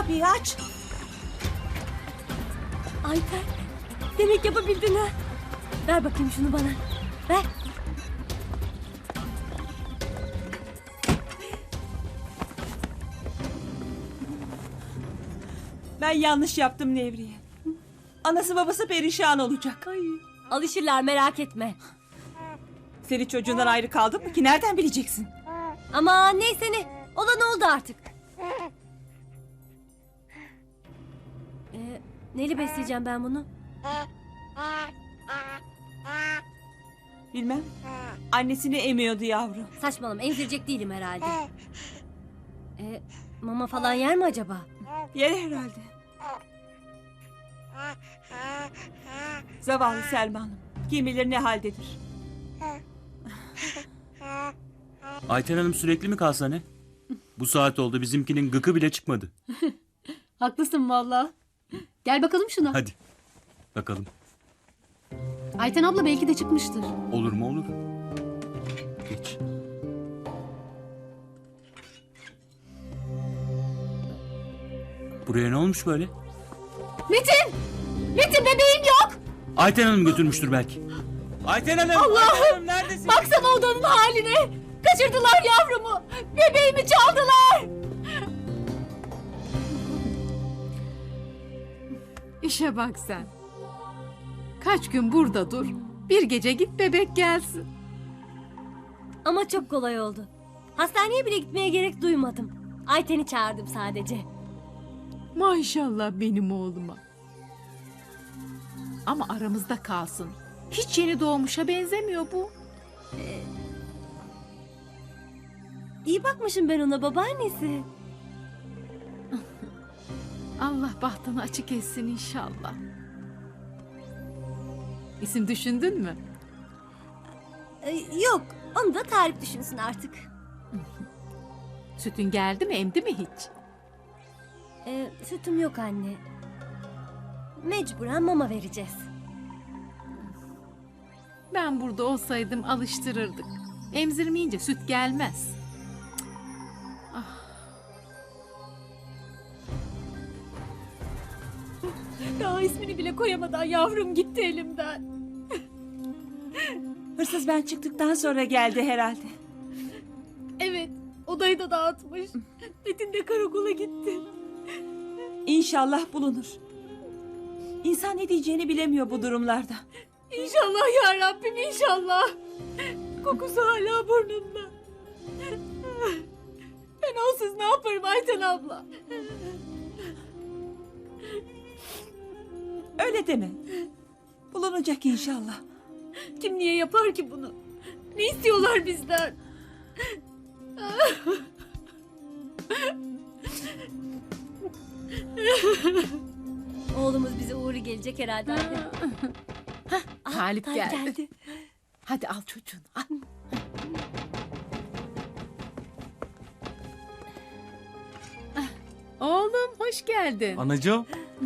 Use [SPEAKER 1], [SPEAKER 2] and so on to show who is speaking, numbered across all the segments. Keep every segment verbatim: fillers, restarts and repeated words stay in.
[SPEAKER 1] kapıyı aç.
[SPEAKER 2] Ayten, demek yapabildin ha. Ver bakayım şunu bana. Ver.
[SPEAKER 1] Ben yanlış yaptım Nevriye. Anası babası perişan olacak.
[SPEAKER 2] Ay, alışırlar, merak etme.
[SPEAKER 1] Seni çocuğundan ayrı kaldın mı ki nereden bileceksin?
[SPEAKER 2] Ama neyse ne. Olan oldu artık. Ee, neyle besleyeceğim ben bunu?
[SPEAKER 1] Bilmem. Annesini emiyordu yavrum.
[SPEAKER 2] Saçmalama, emzirecek değilim herhalde. Ee, mama falan yer mi acaba?
[SPEAKER 1] Yer herhalde. Zavallı Selma Hanım. Kim bilir ne haldedir.
[SPEAKER 3] Ayten Hanım sürekli mi kalsa ne? Bu saat oldu bizimkinin gıkı bile çıkmadı.
[SPEAKER 4] Haklısın valla. Gel bakalım şuna.
[SPEAKER 3] Hadi bakalım.
[SPEAKER 4] Ayten abla belki de çıkmıştır.
[SPEAKER 3] Olur mu olur. Geç. Buraya ne olmuş böyle?
[SPEAKER 4] Metin! Metin bebeğim yok!
[SPEAKER 3] Ayten Hanım götürmüştür belki. Ayten Hanım!
[SPEAKER 4] Allah'ım!
[SPEAKER 3] Ayten Hanım neredesin?
[SPEAKER 4] Baksana odanın haline! Kaçırdılar yavrumu! Bebeğimi çaldılar!
[SPEAKER 5] İşe bak sen. Kaç gün burada dur. Bir gece git bebek gelsin.
[SPEAKER 2] Ama çok kolay oldu. Hastaneye bile gitmeye gerek duymadım. Ayten'i çağırdım sadece.
[SPEAKER 5] Maşallah benim oğluma. Ama aramızda kalsın. Hiç yeni doğmuşa benzemiyor bu.
[SPEAKER 2] İyi bakmışım ben ona, babaannesi.
[SPEAKER 5] Allah bahtını açık etsin inşallah. İsim düşündün mü?
[SPEAKER 2] Ee, yok, onu da Tarık düşünsün artık.
[SPEAKER 5] Sütün geldi mi, emdi mi hiç?
[SPEAKER 2] Ee, sütüm yok anne. Mecburen mama vereceğiz.
[SPEAKER 5] Ben burada olsaydım alıştırırdık. Emzirmeyince süt gelmez.
[SPEAKER 4] Daha ismini bile koyamadan yavrum gitti elimden.
[SPEAKER 1] Hırsız ben çıktıktan sonra geldi herhalde.
[SPEAKER 4] Evet, odayı da dağıtmış. Metin de karakola gitti.
[SPEAKER 1] İnşallah bulunur. İnsan ne diyeceğini bilemiyor bu durumlarda.
[SPEAKER 4] İnşallah ya Rabbim inşallah. Kokusu hala burnumda. Ben onsuz ne yaparım Ayten abla?
[SPEAKER 1] Öyle deme. Bulunacak inşallah.
[SPEAKER 4] Kim niye yapar ki bunu? Ne istiyorlar bizden?
[SPEAKER 2] Oğlumuz bize uğru gelecek herhalde anne. Ah,
[SPEAKER 5] Talip
[SPEAKER 2] Talip
[SPEAKER 5] geldi.
[SPEAKER 2] geldi.
[SPEAKER 5] Hadi al çocuğunu al. Ah, Oğlum hoş geldin.
[SPEAKER 6] Anacığım,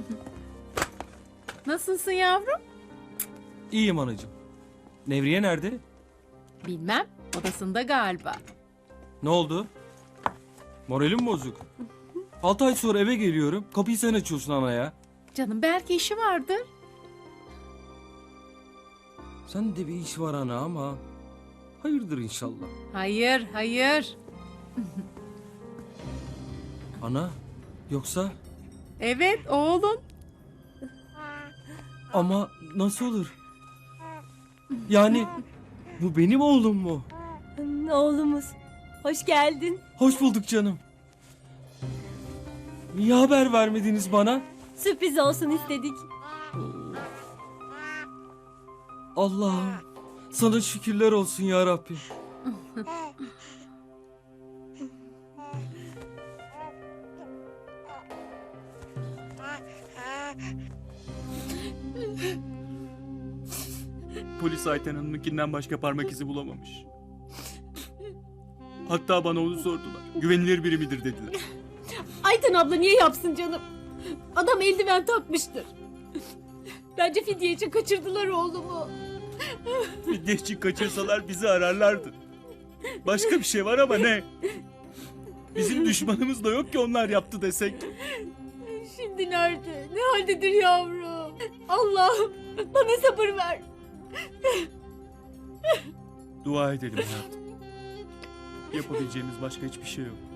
[SPEAKER 5] Nasılsın yavrum?
[SPEAKER 6] iyiyim anacığım. Nevriye nerede?
[SPEAKER 5] Bilmem, odasında galiba.
[SPEAKER 6] Ne oldu? Moralim bozuk. Altı ay sonra eve geliyorum. Kapıyı sen açıyorsun anaya.
[SPEAKER 5] Canım belki işi vardır.
[SPEAKER 6] Sen de bir iş var ana ama. Hayırdır inşallah.
[SPEAKER 5] Hayır, hayır.
[SPEAKER 6] Ana, yoksa?
[SPEAKER 5] Evet oğlun.
[SPEAKER 6] Ama nasıl olur? Yani bu benim oğlum mu?
[SPEAKER 2] Oğlumuz. Hoş geldin.
[SPEAKER 6] Hoş bulduk canım. Niye haber vermediniz bana?
[SPEAKER 2] Sürpriz olsun istedik.
[SPEAKER 6] Allah'ım sana şükürler olsun ya Rabbim.
[SPEAKER 3] Polis Ayten Hanım'ınkinden başka parmak izi bulamamış. Hatta bana onu sordular. Güvenilir biri midir dediler.
[SPEAKER 4] Ayten abla niye yapsın canım? Adam eldiven takmıştır. Bence fidye için kaçırdılar oğlumu.
[SPEAKER 3] Fidye için kaçırsalar bizi ararlardı. Başka bir şey var ama ne? Bizim düşmanımız da yok ki onlar yaptı desek.
[SPEAKER 4] Şimdi nerede? Ne haldedir yavrum? Allah'ım bana sabır ver.
[SPEAKER 3] Dua edelim hayatım. Yapabileceğimiz başka hiçbir şey yok.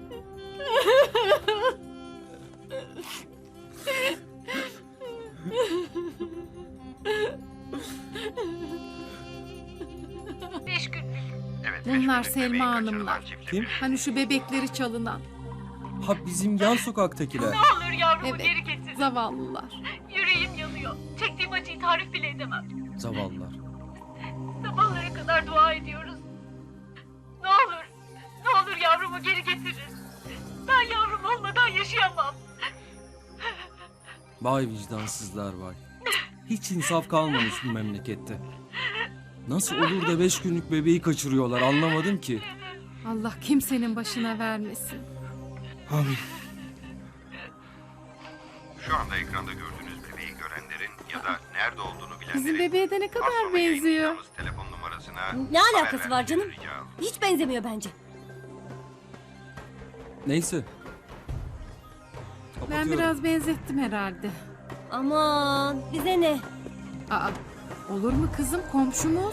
[SPEAKER 7] Evet,
[SPEAKER 5] Bunlar
[SPEAKER 7] beş günlük
[SPEAKER 5] Selma
[SPEAKER 7] bebeği
[SPEAKER 5] Hanımlar.
[SPEAKER 7] kaçırılan çiftlik.
[SPEAKER 6] Kim?
[SPEAKER 5] Hani şu bebekleri çalınan.
[SPEAKER 6] Ha bizim yan sokaktakiler.
[SPEAKER 8] olur yavrumu
[SPEAKER 5] Evet.
[SPEAKER 8] geri getir.
[SPEAKER 5] Zavallılar.
[SPEAKER 8] Yüreğim yanıyor. Çektiğim acıyı tarif bile edemem.
[SPEAKER 6] Zavallılar.
[SPEAKER 8] Sabahlara kadar dua ediyoruz. Ne olur, ne olur yavrumu geri getirin. Ben yavrum olmadan yaşayamam.
[SPEAKER 6] Vay vicdansızlar vay. Hiç insaf kalmamış bu memlekette. Nasıl olur da beş günlük bebeği kaçırıyorlar anlamadım ki.
[SPEAKER 5] Allah kimsenin başına vermesin.
[SPEAKER 6] Amin.
[SPEAKER 7] Şu anda ekranda gördüğünüz bebeği görenlerin ya da nerede olduğunu bilenlerin...
[SPEAKER 5] Bizim bebeğe de ne
[SPEAKER 7] az
[SPEAKER 5] kadar
[SPEAKER 7] sonra
[SPEAKER 5] benziyor.
[SPEAKER 7] yayınlayacağımız telefon numarasına
[SPEAKER 2] Ne
[SPEAKER 7] haber
[SPEAKER 2] alakası var canım?
[SPEAKER 7] vermenizi rica ediyorum.
[SPEAKER 2] Hiç benzemiyor bence.
[SPEAKER 6] Neyse.
[SPEAKER 5] Ben
[SPEAKER 6] Kapatıyorum.
[SPEAKER 5] biraz benzettim herhalde.
[SPEAKER 2] Aman bize ne?
[SPEAKER 5] Aa, olur mu kızım, komşumuz?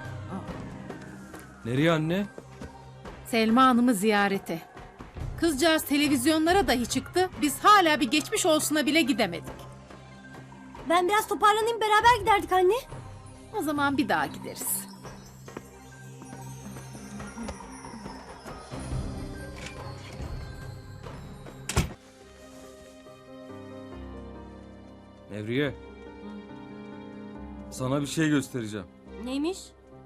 [SPEAKER 6] Nereye anne?
[SPEAKER 5] Selma Hanım'ı ziyarete. Kızcağız televizyonlara dahi çıktı. Biz hala bir geçmiş olsuna bile gidemedik.
[SPEAKER 2] Ben biraz toparlanayım beraber giderdik anne.
[SPEAKER 5] O zaman bir daha gideriz.
[SPEAKER 6] Nevriye. Sana bir şey göstereceğim.
[SPEAKER 2] Neymiş?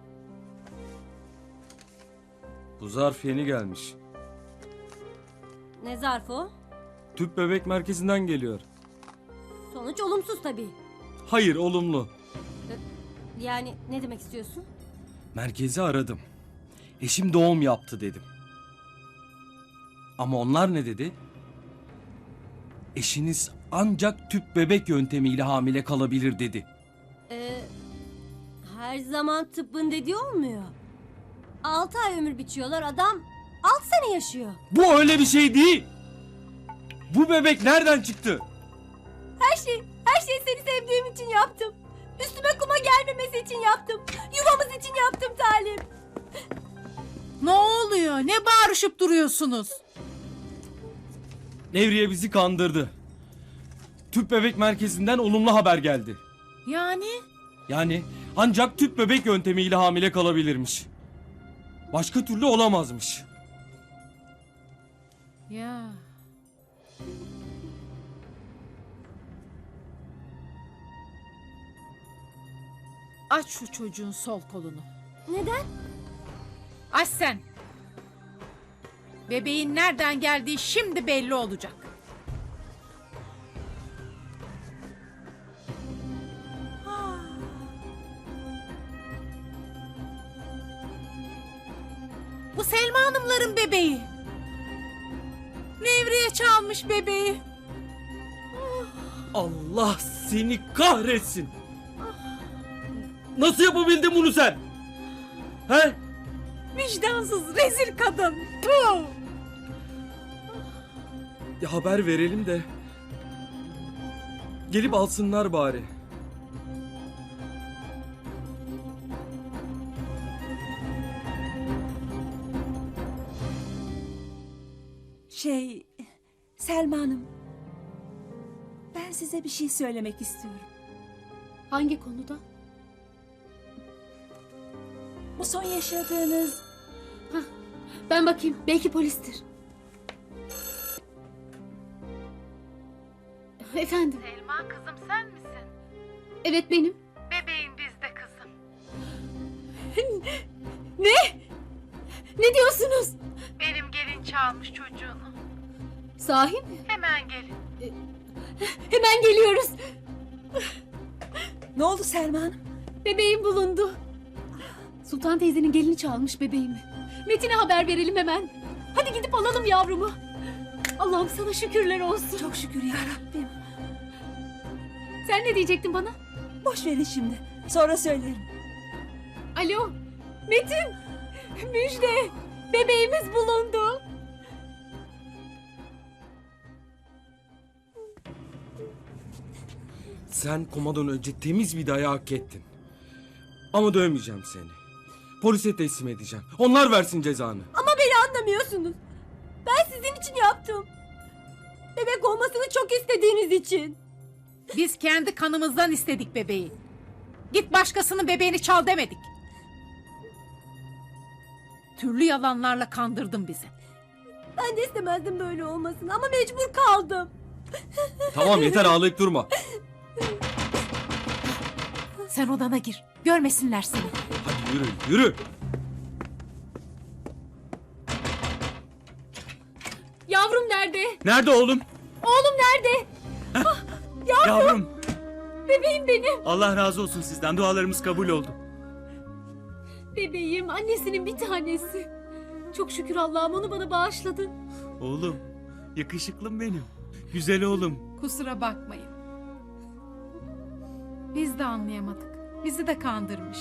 [SPEAKER 6] Bu zarf yeni gelmiş.
[SPEAKER 2] Ne zarfı o?
[SPEAKER 6] Tüp bebek merkezinden geliyor.
[SPEAKER 2] Sonuç olumsuz tabii.
[SPEAKER 6] Hayır olumlu.
[SPEAKER 2] Yani ne demek istiyorsun?
[SPEAKER 6] Merkezi aradım. Eşim doğum yaptı dedim. Ama onlar ne dedi? Eşiniz ancak tüp bebek yöntemiyle hamile kalabilir dedi.
[SPEAKER 2] Ee, her zaman tıbbın dediği olmuyor. Altı ay ömür biçiyorlar adam altı sene yaşıyor.
[SPEAKER 6] Bu öyle bir şey değil. Bu bebek nereden çıktı?
[SPEAKER 2] Her şey, her şeyi seni sevdiğim için yaptım. Üstüme kuma gelmemesi için yaptım. Yuvamız için yaptım Talim.
[SPEAKER 5] Ne oluyor? Ne bağırışıp duruyorsunuz?
[SPEAKER 6] Nevriye bizi kandırdı. Tüp bebek merkezinden olumlu haber geldi.
[SPEAKER 5] Yani?
[SPEAKER 6] Yani ancak tüp bebek yöntemiyle hamile kalabilirmiş. Başka türlü olamazmış.
[SPEAKER 5] Ya. Aç şu çocuğun sol kolunu.
[SPEAKER 2] Neden?
[SPEAKER 5] Aç sen. Bebeğin nereden geldiği şimdi belli olacak. Bu Selma Hanımların bebeği. Nevriye çalmış bebeği.
[SPEAKER 6] Allah seni kahretsin. Nasıl yapabildin bunu sen? He?
[SPEAKER 5] Vicdansız rezil kadın. Puh!
[SPEAKER 6] Ya haber verelim de. Gelip alsınlar bari.
[SPEAKER 1] Şey, Selma Hanım. Ben size bir şey söylemek istiyorum.
[SPEAKER 4] Hangi konuda?
[SPEAKER 1] Bu son yaşadığınız...
[SPEAKER 4] Ben bakayım belki polistir. Efendim?
[SPEAKER 5] Selma kızım sen misin?
[SPEAKER 4] Evet benim.
[SPEAKER 5] Bebeğin bizde kızım.
[SPEAKER 4] Ne? Ne diyorsunuz?
[SPEAKER 5] Benim gelin çalmış çocuğunu.
[SPEAKER 4] Sahi mi?
[SPEAKER 5] Hemen gelin.
[SPEAKER 4] Hemen geliyoruz.
[SPEAKER 1] Ne oldu Selma Hanım?
[SPEAKER 4] Bebeğim bulundu. Sultan teyzenin gelini çalmış bebeğimi. Metin'e haber verelim hemen. Hadi gidip alalım yavrumu. Allah'ım sana şükürler olsun.
[SPEAKER 1] Çok şükür ya Rabbim.
[SPEAKER 4] Sen ne diyecektin bana?
[SPEAKER 1] Boş verin şimdi. Sonra söylerim.
[SPEAKER 4] Alo. Metin. Müjde. Bebeğimiz bulundu.
[SPEAKER 6] Sen komadan önce temiz bir dayağı hak ettin. Ama dövmeyeceğim seni. Polise teslim edeceğim. Onlar versin cezanı.
[SPEAKER 2] Ama beni anlamıyorsunuz. Ben sizin için yaptım. Bebek olmasını çok istediğiniz için.
[SPEAKER 5] Biz kendi kanımızdan istedik bebeği. Git başkasının bebeğini çal demedik. Türlü yalanlarla kandırdın bizi.
[SPEAKER 2] Ben de istemezdim böyle olmasını ama mecbur kaldım.
[SPEAKER 6] Tamam yeter ağlayıp durma.
[SPEAKER 5] Sen odana gir. Görmesinler seni.
[SPEAKER 6] Hadi yürü yürü.
[SPEAKER 4] Yavrum nerede?
[SPEAKER 3] Nerede oğlum?
[SPEAKER 4] Oğlum nerede?
[SPEAKER 3] Yavrum.
[SPEAKER 4] Bebeğim benim.
[SPEAKER 3] Allah razı olsun sizden. Dualarımız kabul oldu.
[SPEAKER 4] Bebeğim, annesinin bir tanesi. Çok şükür Allah'ım onu bana bağışladı.
[SPEAKER 3] Oğlum. Yakışıklım benim. Güzel oğlum.
[SPEAKER 5] Kusura bakmayın. Biz de anlayamadık. Bizi de kandırmış.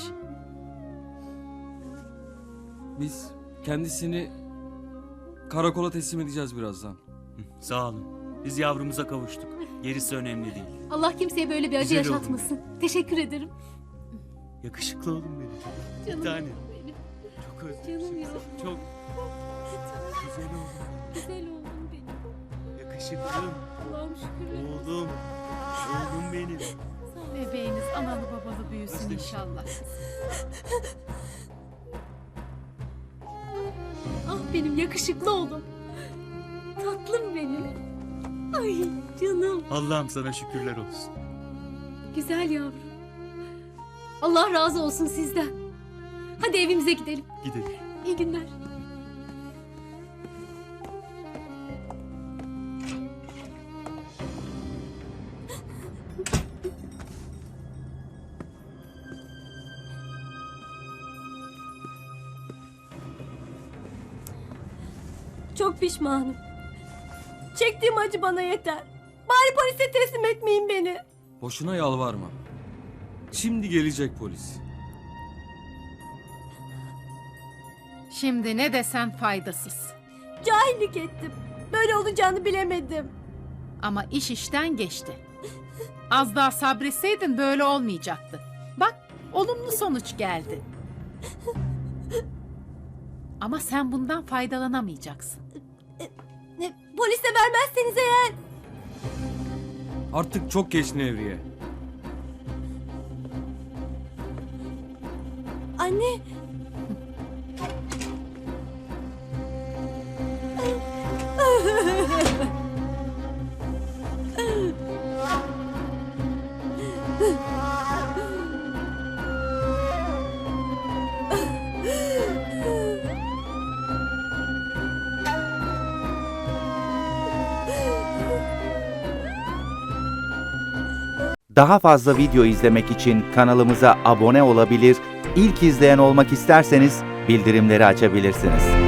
[SPEAKER 6] Biz kendisini karakola teslim edeceğiz birazdan.
[SPEAKER 3] Sağ olun. Biz yavrumuza kavuştuk. Gerisi önemli değil.
[SPEAKER 4] Allah kimseye böyle bir acı
[SPEAKER 3] Güzel oğlum
[SPEAKER 4] yaşatmasın. Teşekkür ederim.
[SPEAKER 3] Yakışıklı oğlum benim.
[SPEAKER 4] Canım
[SPEAKER 3] Bir tane.
[SPEAKER 4] benim.
[SPEAKER 3] Çok özledim.
[SPEAKER 4] Canım ya.
[SPEAKER 3] Çok güzel oğlum.
[SPEAKER 4] Güzel oğlum benim.
[SPEAKER 3] Yakışıklım.
[SPEAKER 4] Allah'ım şükürler.
[SPEAKER 3] Oğlum. Oğlum benim.
[SPEAKER 5] Bebeğiniz analı babalı büyüsün
[SPEAKER 3] Özledim.
[SPEAKER 5] inşallah.
[SPEAKER 4] Ah benim yakışıklı oğlum. Tatlım benim. Ay canım.
[SPEAKER 3] Allah'ım sana şükürler olsun.
[SPEAKER 4] Güzel yavrum. Allah razı olsun sizden. Hadi evimize gidelim.
[SPEAKER 3] Gidelim.
[SPEAKER 4] İyi günler.
[SPEAKER 2] Çok pişmanım. Çektiğim acı bana yeter. Bari polise teslim etmeyin beni.
[SPEAKER 6] Boşuna yalvarma. Şimdi gelecek polis.
[SPEAKER 5] Şimdi ne desen faydasız.
[SPEAKER 2] Cahillik ettim. Böyle olacağını bilemedim.
[SPEAKER 5] Ama iş işten geçti. Az daha sabretseydin böyle olmayacaktı. Bak, olumlu sonuç geldi. Ama sen bundan faydalanamayacaksın.
[SPEAKER 2] Ne, polise vermezseniz eğer.
[SPEAKER 6] Artık çok geç Nevriye.
[SPEAKER 2] Anne.
[SPEAKER 9] Daha fazla video izlemek için kanalımıza abone olabilir, ilk izleyen olmak isterseniz bildirimleri açabilirsiniz.